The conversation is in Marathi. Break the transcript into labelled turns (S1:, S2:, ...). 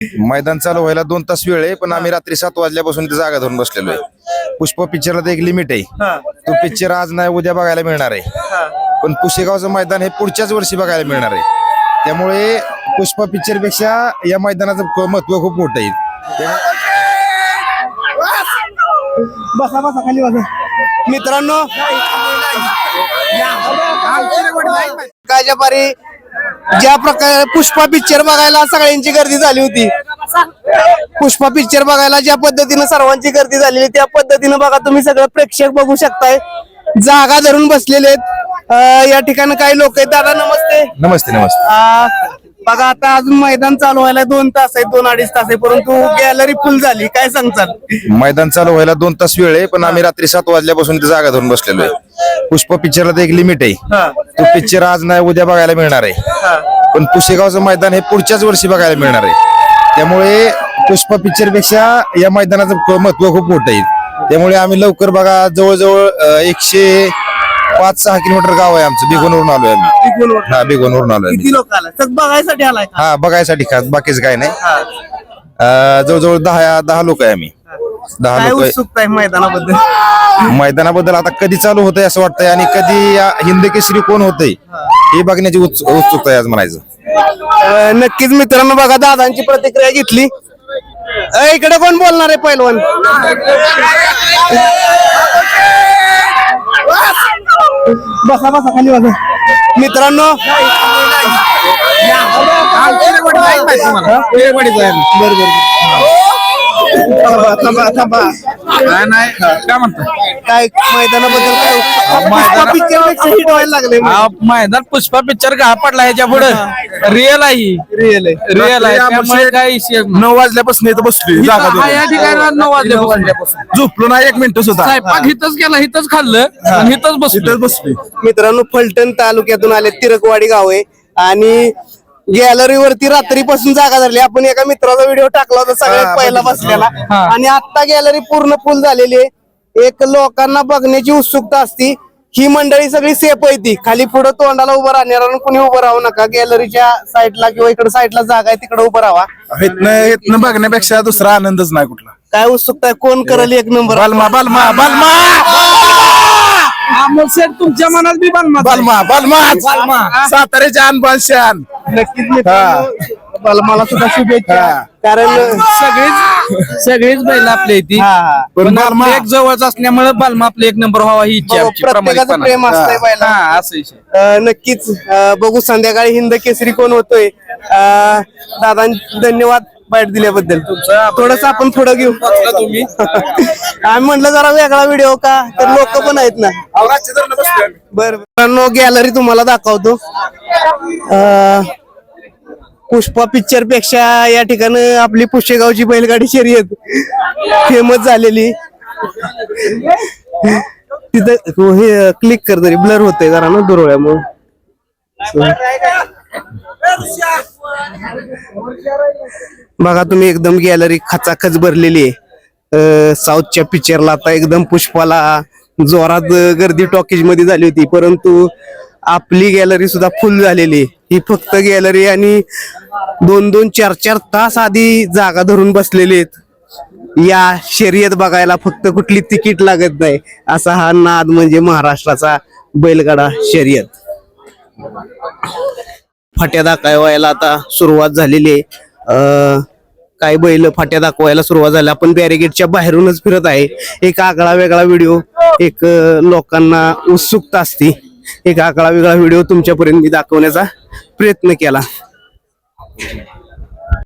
S1: मैदान चालू व्हायला 2 तास वेळ आहे, पण आम्ही रात्री 7 वाजल्यापासून इथे जागा धरून बसलेलो आहे. पुष्पा पिक्चरला तर एक लिमिट आहे. तो पिक्चर आज नाही उद्या बघायला मिळणार आहे, पण पुशेगावचं मैदान हे पुढच्याच वर्षी बघायला मिळणार आहे. त्यामुळे पुष्पा पिक्चर पेक्षा या मैदानाचं महत्व खूप मोठं आहे.
S2: बसा बसा खाली बसा. मित्रांनो कायच्या पारी ज्या प्रकारे पुष्पा पिक्चर बघायला सगळ्यांची गर्दी झाली होती, पुष्पा पिक्चर बघायला ज्या पद्धतीने सर्वांची गर्दी झालेली त्या पद्धतीने बघा तुम्ही सगळं प्रेक्षक बघू शकताय, जागा धरून बसलेले आहेत. या ठिकाणी काही लोक आहेत. दादा नमस्ते.
S1: नमस्ते नमस्ते.
S2: बघा आता अजून मैदान चालू व्हायला 2 तास आहे, 2-2.5 तास आहे, परंतु गॅलरी फुल झाली. काय सांगताल?
S1: मैदान चालू व्हायला 2 तास वेळ आहे, पण आम्ही रात्री 7 वाजल्यापासून इथे जागा धरून बसलेलो आहे. पुष्पा पिक्चरला तर एक लिमिट आहे. तो पिक्चर आज नाही उद्या बघायला मिळणार आहे, पण पुशेगावचं मैदान हे पुढच्याच वर्षी बघायला मिळणार आहे. त्यामुळे पुष्पा पिक्चर पेक्षा या मैदानाचं महत्व खूप मोठं आहे. त्यामुळे आम्ही लवकर बघा जवळजवळ 105-6 किलोमीटर गाव आहे आमचं. बिगोनवरून आलोय आम्ही. हा बिगोनवरून आलोय.
S2: किती लोक आला? सग बघायसाठी आलाय?
S1: हा बघायसाठी खास, बाकीच काय नाही. जवळजवळ 10 लोक आहे आम्ही. 10
S2: काय
S1: लोक
S2: उत्सुकता आहे मैदानाबद्दल?
S1: मैदानाबद्दल आता कधी चालू होतंय असं वाटतंय, आणि कधी हिंद केसरी कोण होतंय हे बघण्याची उत्सुकता आहे आज म्हणायचं.
S2: नक्कीच मित्रांनो बघा दादांची प्रतिक्रिया घेतली. इकडे कोण बोलणार आहे पहिलवान? बसा बसा खाली बसा. मित्रांनो
S3: काय म्हणतो
S2: काय मैदानाबद्दल काय पिक्चर हिट व्हायला लागले?
S3: मैदान पुष्पा पिक्चर का पडला ह्याच्या पुढे रिअल आहे.
S2: रिअल आहे.
S3: रिअल आहे. त्यामुळे काही
S4: 9 वाजल्यापासून इथं बसलोय.
S3: या ठिकाणी 9 वाजल्यापासून
S4: झोपलो ना 1 मिनिट सुद्धा.
S3: स्वयंपाक हिथंच केला, हिथंच खाल्लं आणि हिथंच बसलो.
S4: बसलोय.
S2: मित्रांनो फलटण तालुक्यातून आले, तिरकवाडी गाव आहे आणि गॅलरीवरती रात्रीपासून जागा धरली. आपण एका मित्राचा व्हिडिओ टाकला होता सगळ्यात पहिला बसलेला, आणि आता गॅलरी पूर्ण फुल झालेली आहे. एक लोकांना बघण्याची उत्सुकता असती. ही मंडळी सगळी सेफ आहे, ती खाली पुढे तोंडाला उभं राहणार कोणी उभं राहू नका. गॅलरीच्या साईडला किंवा इकडे साईडला जागा आहे तिकडे उभं राहा.
S4: इथनं बघण्यापेक्षा दुसरा आनंदच नाही कुठला.
S2: काय उत्सुकता आहे? कोण करेल 1 नंबर?
S4: बालमा बालमा बालमा
S3: तुमच्या मनात बी
S4: बालमा बालमा साताऱ्याचे अनबान शान.
S2: नक्कीच मित्रांनो मला सुद्धा शुभेच्छा. कारण
S3: सगळीच बैल आपल्या इथे
S4: पण बालमा
S3: एक जवळच असल्यामुळे बालमा आपले 1 नंबर व्हावा ही इच्छा आमची.
S2: प्रत्येकाचं प्रेम असतंय बैला.
S3: असं विषय.
S2: नक्कीच बघू संध्याकाळी हिंद केसरी कोण होतोय. दादा धन्यवाद बाईट दिल्याबद्दल. थोडस आपण पुढे घेऊ.
S3: तुम्ही
S2: आम्ही म्हटलं जरा वेगळा व्हिडिओ का, तर लोक पण आहेत ना. बरं गॅलरी तुम्हाला दाखवतो. पुष्पा पिक्चर पेक्षा या ठिकाणी आपली पुशेगावची बैलगाडी शर्यत फेमस झालेली. तिथं हे क्लिक कर तरी ब्लर होतंय जरा ना दुरवळ्यामुळे. बघा तुम्ही एकदम गॅलरी खचाखच भरलेली आहे. साऊथच्या पिक्चरला आता एकदम पुष्पाला जोरात गर्दी टॉकीज मध्ये झाली होती, परंतु आपली गॅलरी सुद्धा फुल झालेली. ही फक्त गॅलरी आणि 2-2, 4-4 तास आधी जागा धरून बसलेले आहेत या शर्यत बघायला. फक्त कुठली तिकीट लागत नाही असा हा नाद म्हणजे महाराष्ट्राचा बैलगाडा शर्यत. फाट्या दाखवायला आता सुरुवात झालेली आहे. काही बैल फाट्या दाखवायला सुरुवात झाली. आपण बॅरिगेटच्या बाहेरूनच फिरत आहे. एक आगळा वेगळा व्हिडिओ, एक लोकांना उत्सुकता असते, एक आगळा वेगळा व्हिडिओ तुमच्यापर्यंत मी दाखवण्याचा प्रयत्न केला.